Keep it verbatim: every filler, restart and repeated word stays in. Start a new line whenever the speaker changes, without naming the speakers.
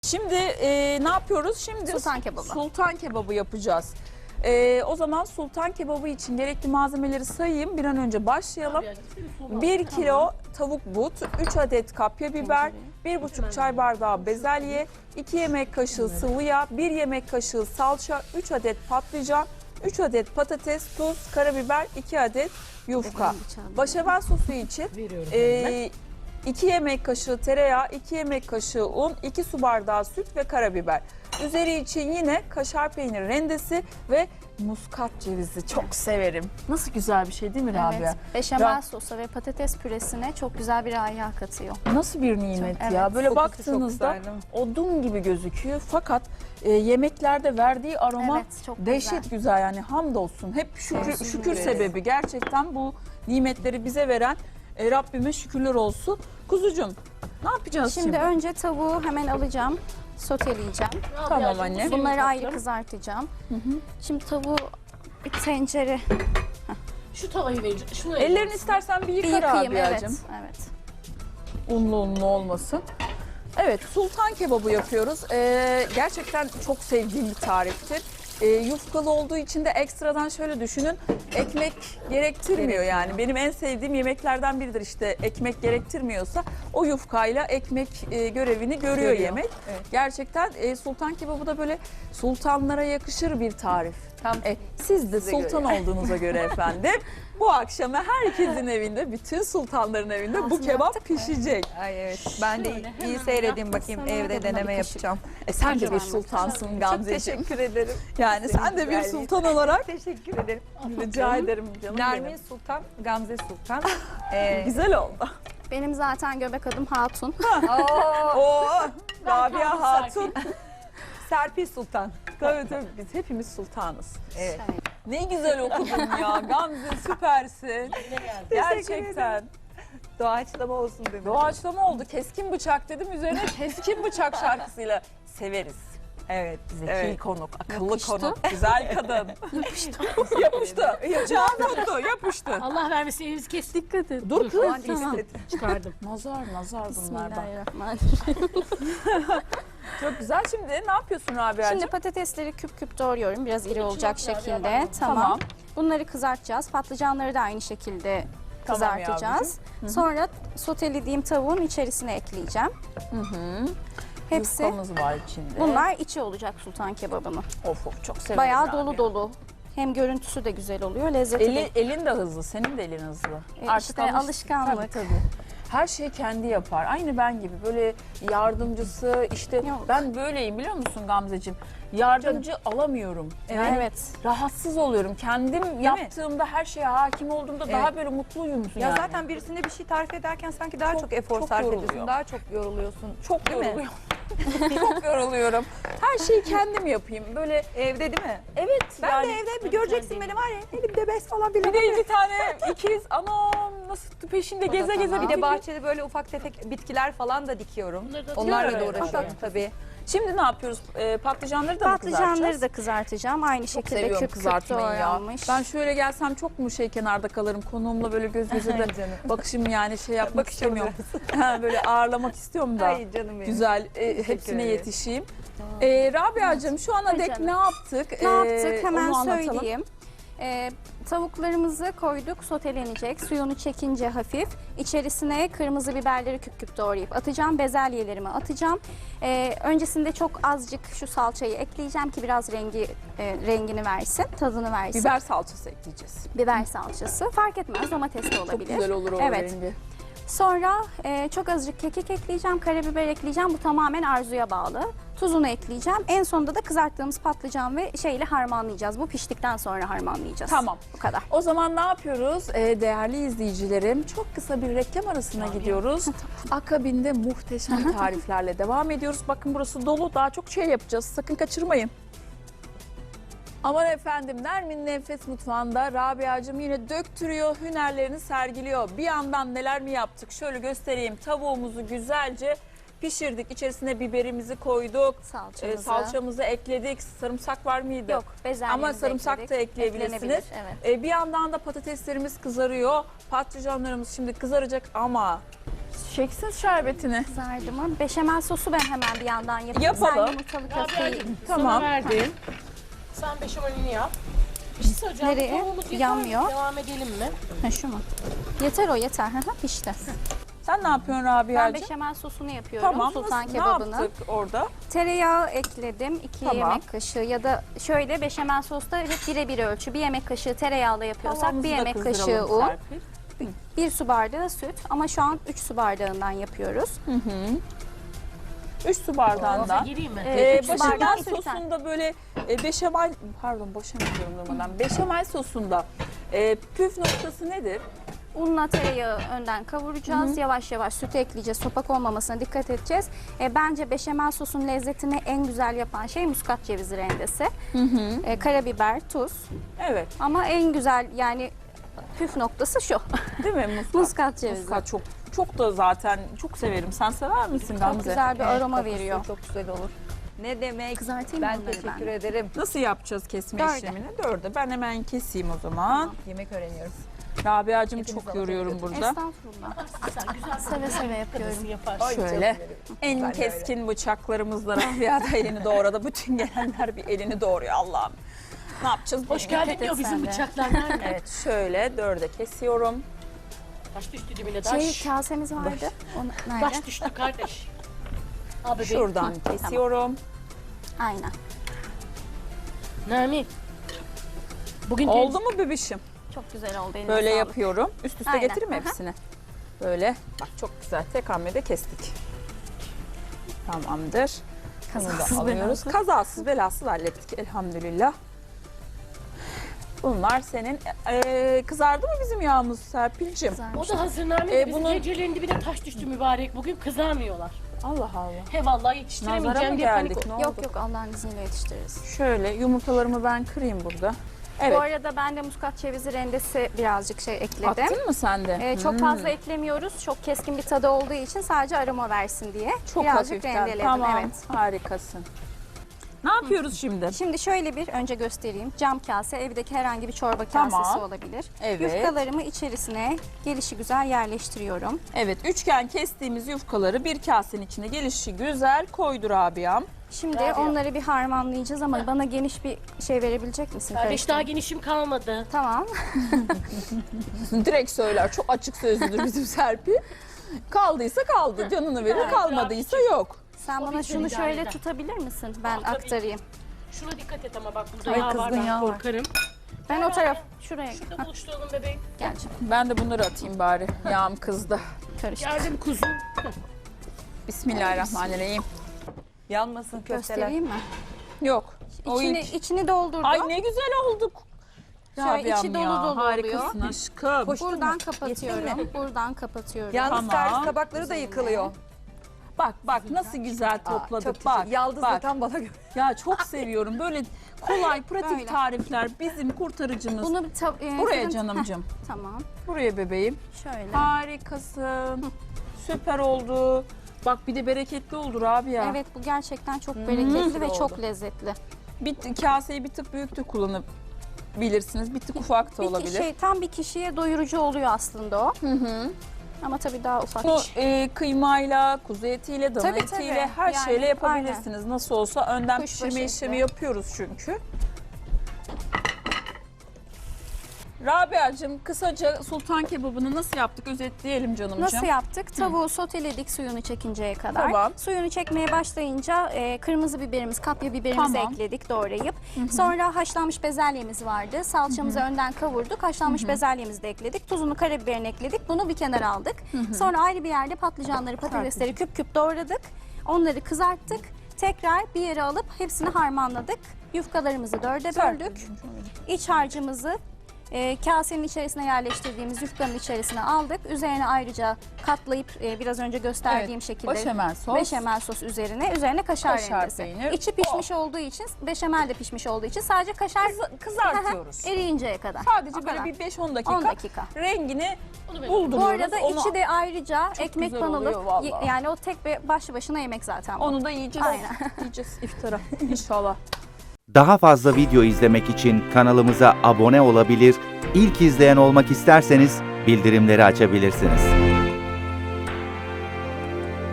Şimdi e, ne yapıyoruz? Şimdi
Sultan kebabı.
Sultan kebabı yapacağız. E, o zaman sultan kebabı için gerekli malzemeleri sayayım. Bir an önce başlayalım. bir kilo tavuk but, üç adet kapya biber, bir buçuk çay bardağı bezelye, iki yemek kaşığı sıvı yağ, bir yemek kaşığı salça, üç adet patlıcan, üç adet patates, tuz, karabiber, iki adet yufka. Başamel sosu için e, iki yemek kaşığı tereyağı, iki yemek kaşığı un, iki su bardağı süt ve karabiber. Üzeri için yine kaşar peynir rendesi ve muskat cevizi. Çok severim. Nasıl güzel bir şey değil mi Rabia?
Evet. Beşamel
Ra-
sosa ve patates püresine çok güzel bir raiha katıyor.
Nasıl bir nimet
Çok,
ya.
evet.
Böyle
Kokusu
baktığınızda
çok güzel,
odun gibi gözüküyor. Fakat e, yemeklerde verdiği aroma
Evet, çok
dehşet güzel.
güzel.
Yani hamdolsun. Hep şükür,
Olsun,
şükür
evet.
sebebi. Gerçekten bu nimetleri bize veren e, Rabbime şükürler olsun. Kuzucuğum ne yapacağız şimdi?
Şimdi önce tavuğu hemen alacağım. Soteleyeceğim.
Tamam anne.
Bunları ayrı kızartacağım. Şimdi tavuğu bir tencere
Şu tavayı vereceğim. Şunu
Ellerini istersen bir
bir
yıka
yıkayayım. Evet.
Rabia'cığım.
Evet.
Unlu unlu olmasın. Evet, sultan kebabı yapıyoruz. Ee, gerçekten çok sevdiğim bir tariftir. Ee, yufkalı olduğu için de ekstradan şöyle düşünün, ekmek gerektirmiyor yani. Benim en sevdiğim yemeklerden biridir işte, ekmek gerektirmiyorsa o yufkayla ekmek e, görevini görüyor,
Görüyor.
yemek.
Evet.
Gerçekten e, sultan kebabı da böyle sultanlara yakışır bir tarif.
Tam
E, siz de
Size
sultan
göre.
olduğunuza göre efendim bu akşama herkesin evinde, bütün sultanların evinde bu
Ağzını
kebap
yaptık mı?
pişecek.
Ay evet. Ben de
Şöyle
iyi
hemen
seyredeyim bakayım.
Sana
Evde
da buna
deneme
bir kaşık.
yapacağım.
E sen de
Acı
bir
vermek.
sultansın
Çok
Gamzeciğim.
teşekkür ederim.
Yani
Senin
sen de bir
güzelliğin.
sultan olarak
Teşekkür ederim.
rica ederim canım
Nermin
benim.
Sultan, Gamze Sultan. Ee,
Güzel oldu.
Benim zaten göbek adım Hatun.
Oo,
Oo, Rabia Hatun.
Serpil Sultan.
Tabii tabii biz hepimiz sultanız.
Evet.
Ne güzel okudun ya Gamze, süpersin. Gerçekten.
Doğaçlama olsun dedim.
Doğaçlama oldu. Keskin bıçak dedim. Üzerine keskin bıçak şarkısıyla severiz.
Evet.
Zeki
Evet.
konuk, akıllı
Yakıştı.
konuk, güzel kadın. Yapıştı. Yapıştı. Bıçağı tuttu, yapıştı.
Allah vermesin elinizi kes. Dikkat et.
Dur kız.
Aman
Tamam.
dikkat et.
Çıkardım.
Nazar, nazar bunlar bak.
Bismillahirrahmanirrahim.
Çok güzel. Şimdi ne yapıyorsun Rabia'cığım?
Şimdi patatesleri küp küp doğruyorum. Biraz iri olacak
Çok güzel,
şekilde.
Rabia.
Tamam.
Tamam.
Bunları kızartacağız. Patlıcanları da aynı şekilde
Tamam
kızartacağız. Sonra sotelediğim tavuğun içerisine ekleyeceğim.
Hı hı.
Hepsi
Yufkamız var içinde.
bunlar içi olacak sultan kebabının.
Of of çok severim.
Bayağı
Rabia.
dolu dolu. Hem görüntüsü de güzel oluyor, lezzeti
Eli,
de.
elin de hızlı, senin de elin hızlı.
E, işte alışkanlık.
Tabii tabii. Her şeyi kendi yapar. Aynı ben gibi böyle yardımcısı işte
Yok.
ben böyleyim biliyor musun Gamzeciğim? Yardımcı alamıyorum. Yani
Evet.
rahatsız oluyorum. Kendim yaptığımda her şeye hakim olduğumda daha
Evet.
böyle mutluyum
Ya
yani.
zaten birisine bir şey tarif ederken sanki daha
Çok-
çok, efor
çok
sarf
yoruluyor.
ediyorsun. Daha çok yoruluyorsun.
çok
Değil mi?
yoruluyorum. çok yoruluyorum. Her şeyi kendim yapayım. Böyle
Evde değil mi?
evet
Ben
yani.
de evde bir göreceksin beni var ya elimde bez falan bile
Bir
var.
de iki tane ikiz anam nasıl peşinde
da
geze geze
tamam.
Bir de
bitiriyor.
bahçede böyle ufak tefek bitkiler falan da dikiyorum.
Bunları da
Onlarla da
atıyorum.
uğraşıyorum
Evet.
tabii.
Şimdi ne yapıyoruz? Ee, patlıcanları da mı
Patlıcanları
kızartacağız?
da kızartacağım. Aynı
Çok
şekilde
seviyorum
küp küp
kızartmayı ya.
doğranmış.
Ben şöyle gelsem çok mu şey kenarda kalırım konuğumla böyle göz göze de
Canım.
bakışım yani şey yapmak
Bakışalım
istemiyorum. Ha, böyle ağırlamak istiyorum da.
Ay canım benim.
Güzel e, hepsine
ederim.
yetişeyim. Ee, Rabia'cığım şu ana dek
canım.
ne yaptık?
Ne
Ee,
yaptık? Hemen
onu anlatalım.
söyleyeyim. Ee, tavuklarımızı koyduk, sotelenecek. Suyunu çekince hafif. İçerisine kırmızı biberleri küp küp doğrayıp atacağım. Bezelyelerimi atacağım. Ee, öncesinde çok azıcık şu salçayı ekleyeceğim ki biraz rengi e, rengini versin, tadını versin.
Biber salçası ekleyeceğiz.
Biber salçası. Fark etmez, domates de
Çok
olabilir.
güzel olur o
Evet.
rengi.
Sonra e, çok azıcık kekik ekleyeceğim, karabiber ekleyeceğim. Bu tamamen arzuya bağlı. Tuzunu ekleyeceğim. En sonunda da kızarttığımız patlıcan ve şeyle harmanlayacağız. Bu piştikten sonra harmanlayacağız.
Tamam.
Bu kadar.
O zaman ne yapıyoruz? Ee, değerli izleyicilerim çok kısa bir reklam arasına gidiyoruz. Akabinde muhteşem tariflerle devam ediyoruz. Bakın burası dolu, daha çok şey yapacağız. Sakın kaçırmayın. Aman efendim, Nermin'in Enfes Mutfağı'nda Rabia'cığım yine döktürüyor, hünerlerini sergiliyor. Bir yandan neler mi yaptık? Şöyle göstereyim. Tavuğumuzu güzelce pişirdik. İçerisine biberimizi koyduk.
Salçamızı.
Ee, salçamızı ekledik. Sarımsak var mıydı?
Yok, bezelyemizi
Ama sarımsak da
ekledik.
ekleyebilirsiniz.
Eklenebilir, evet.
Ee, bir yandan da patateslerimiz kızarıyor. Patlıcanlarımız şimdi kızaracak ama Çeksin şerbetini.
Kızardı. Beşamel sosu ben hemen bir yandan yapayım.
Yapalım.
Sen yumurtalı köfteyi
Rabia'cığım
Tamam.
sana verdim. Sen beşamelini yap. Bir şey söyleyeceğim.
Nereye?
Tavuğumuz yeter mi?
Yanmıyor.
Devam edelim mi?
Ha, şu mu? Yeter o yeter. Hı hı, pişti.
Sen ne yapıyorsun
Ben
Rabia'cığım?
beşamel sosunu yapıyorum.
Tamam.
Sultan
Nasıl,
kebabını.
ne yaptık orada?
Tereyağı ekledim. iki
Tamam.
yemek kaşığı ya da şöyle beşamel sosta hep birebir ölçü. Bir yemek kaşığı tereyağla yapıyorsak
Tavamızı
bir
da
yemek kaşığı
kızdıralım
un,
Serpil.
bir su bardağı süt. Ama şu an üç su bardağından yapıyoruz.
Üç su bardağından.
Gireyim mi?
Ee,
Ee,
üç su bardağı
Beşamel
sütten.
sosunda böyle e, beşamel, pardon boşamel diyorum durmadan. Beşamel sosunda e, püf noktası nedir?
Unla tereyağı önden kavuracağız. Yavaş yavaş sütü ekleyeceğiz. Topak olmamasına dikkat edeceğiz. E, bence beşamel sosun lezzetini en güzel yapan şey muskat cevizi rendesi. E, karabiber, tuz.
Evet,
Ama en güzel yani püf noktası şu.
değil mi muskat?
Muskat cevizi.
Muskat çok çok da zaten çok severim. Sen sever misin Gamze?
Çok güzel bir aroma
Kokusu
veriyor.
Çok güzel olur. Ne demek?
Kızartayım
Ben
mı onları
teşekkür
ben?
ederim.
Nasıl yapacağız kesme
Dörde.
işlemini? Dörde. Ben hemen keseyim o zaman.
Yemek öğreniyoruz.
Rabia'cığım
Hepimiz
çok yoruyorum
alışveriş
burada.
Estağfurullah.
Sen güzel
Seve seve yapıyorum.
kadısın yapar.
Ay,
Şöyle.
canım benim.
En
Ben de
keskin bıçaklarımızla Rabia da elini doğradı. Bütün gelenler bir elini doğruyor Allah'ım. Ne yapacağız?
Hoş
bilmiyorum.
geldin diyor
et sen
bizim
de.
bıçaklar nerede?
Evet şöyle dörde kesiyorum.
Taş düştü dibine
Şey
taş.
kasemiz vardı. Onu, nerede?
Taş düştü kardeş. Al bebeğim.
Şuradan kesiyorum.
Aynen.
Nermin. Bugün
Oldu mu bebişim?
Çok güzel oldu. eline
Böyle
sağlık.
yapıyorum. Üst üste
Aynen,
getireyim mi
aha.
hepsini? Böyle. Bak çok güzel. Tek hamlede kestik. Tamamdır. Bunu da
Kazasız
alıyoruz.
belasız.
Kazasız belasız hallettik elhamdülillah. Bunlar senin. Ee, kızardı mı bizim yağımız Serpil'cim?
Güzelmiş.
O da hazır Nermin.
Ee,
Bizim
bunu-
gecelerin dibine taş düştü mübarek. Bugün kızarmıyorlar.
Allah Allah.
He vallahi
Nazara
yetiştiremeyeceğim
mı
diye panik
geldik?
oldu.
Ne
Yok
oldu?
yok Allah'ın izniyle yetiştiririz.
Şöyle yumurtalarımı ben kırayım burada. Evet.
Bu arada ben de muskat cevizi rendesi birazcık şey ekledim.
Attın mı sen de?
Ee, çok
Hmm.
fazla eklemiyoruz. Çok keskin bir tadı olduğu için sadece aroma versin diye.
Çok
birazcık
hafiften.
rendeledim.
Tamam.
Evet.
Harikasın. Ne yapıyoruz şimdi?
Şimdi şöyle bir önce göstereyim. Cam kase, evdeki herhangi bir çorba kasesi
Tamam.
olabilir.
Evet.
Yufkalarımı içerisine gelişi güzel yerleştiriyorum.
Evet, üçgen kestiğimiz yufkaları bir kasenin içine gelişi güzel koydu Rabia'm.
Şimdi
Rabia.
onları bir harmanlayacağız ama bana geniş bir şey verebilecek misin?
Kardeş
Karıştırma.
daha genişim kalmadı.
Tamam.
Direkt söyler, çok açık sözlüdür bizim Serpil. Kaldıysa kaldı, canını verir,
Evet,
kalmadıysa yok.
Sen
O
bana
bizden
şunu
idare
şöyle
eder.
tutabilir misin? Ben
Tabii.
aktarayım.
Şuna dikkat et ama bak burada
Ay,
yağ var
kızgın
ben
yağ var.
korkarım.
Ben o taraf şuraya
Şurada buluşturalım bebeğim.
geleceğim.
Ben de bunları atayım bari. Yağım kızdı.
Karıştır.
Geldim kuzum.
Bismillahirrahmanirrahim.
Yanmasın köfteler.
Göstereyim mi?
Yok. O
İçini,
ilk-
içini doldurdum.
Ay ne güzel olduk.
Şöyle içi
Rabia'm
dolu
ya,
dolu
harikasın
oluyor.
aşkım.
Koştun
Buradan
mu?
kapatıyorum.
Yettin mi?
Buradan kapatıyorum.
Yalnız
Tamam.
servis tabakları da yıkılıyor.
Bak bak nasıl güzel
Aa,
topladık.
çok
bak,
teşekkür- Yaldız da
bak.
tam bana göre.
Ya çok seviyorum böyle kolay pratik
Böyle.
tarifler bizim kurtarıcımız.
Bunu bir ta- e,
Buraya
fırın-
canımcım.
Heh, tamam.
Buraya bebeğim.
Şöyle.
Harikasın. Süper oldu. Bak bir de bereketli oldu Rabia.
Evet bu gerçekten çok bereketli ve
oldu.
çok lezzetli.
Bir kaseyi bir tık büyük de kullanabilirsiniz. Bir tık ufak da
Bir
olabilir.
şey tam bir kişiye doyurucu oluyor aslında o.
Hı hı.
Ama tabii daha ufak.
Bunu e, kıymayla, kuzu etiyle, dana
Tabii,
etiyle
tabii.
her
Yani,
şeyle yapabilirsiniz. Nasıl olsa önden
Kuşbaşı
pişirme
eti.
işlemi yapıyoruz çünkü. Rabia'cığım kısaca sultan kebabını nasıl yaptık özetleyelim canımcığım.
Nasıl yaptık? Tavuğu soteledik suyunu çekinceye kadar.
Tamam.
Suyunu çekmeye başlayınca e, kırmızı biberimiz, kapya biberimizi
Tamam.
ekledik doğrayıp. Sonra haşlanmış bezelyemiz vardı. Salçamızı önden kavurduk. Haşlanmış bezelyemizi de ekledik. Tuzunu, karabiberini ekledik. Bunu bir kenara aldık. Sonra ayrı bir yerde patlıcanları, patatesleri küp küp doğradık. Onları kızarttık. Tekrar bir yere alıp hepsini harmanladık. Yufkalarımızı dörde böldük. İç harcımızı e, kasenin içerisine yerleştirdiğimiz yufkanın içerisine aldık. Üzerine ayrıca katlayıp e, biraz önce gösterdiğim
Evet,
şekilde
beşamel sos.
beşamel sos üzerine. Üzerine kaşar,
Kaşar
rendesi.
peynir.
İçi pişmiş olduğu için, beşamel de pişmiş olduğu için sadece kaşar
Kız- kızartıyoruz.
eriyinceye kadar.
Sadece
O
böyle
kadar.
bir beş on dakika,
on dakika.
rengini
Onu ben-
bulduruyoruz.
Bu arada
Onu-
içi de ayrıca ekmek
güzel oluyor
banılıp
vallahi.
y- yani o tek bir başlı başına yemek zaten bu.
Onu da yiyeceğiz.
Aynen.
Yiyeceğiz iftara inşallah.
Daha fazla video izlemek için kanalımıza abone olabilir, ilk izleyen olmak isterseniz bildirimleri açabilirsiniz.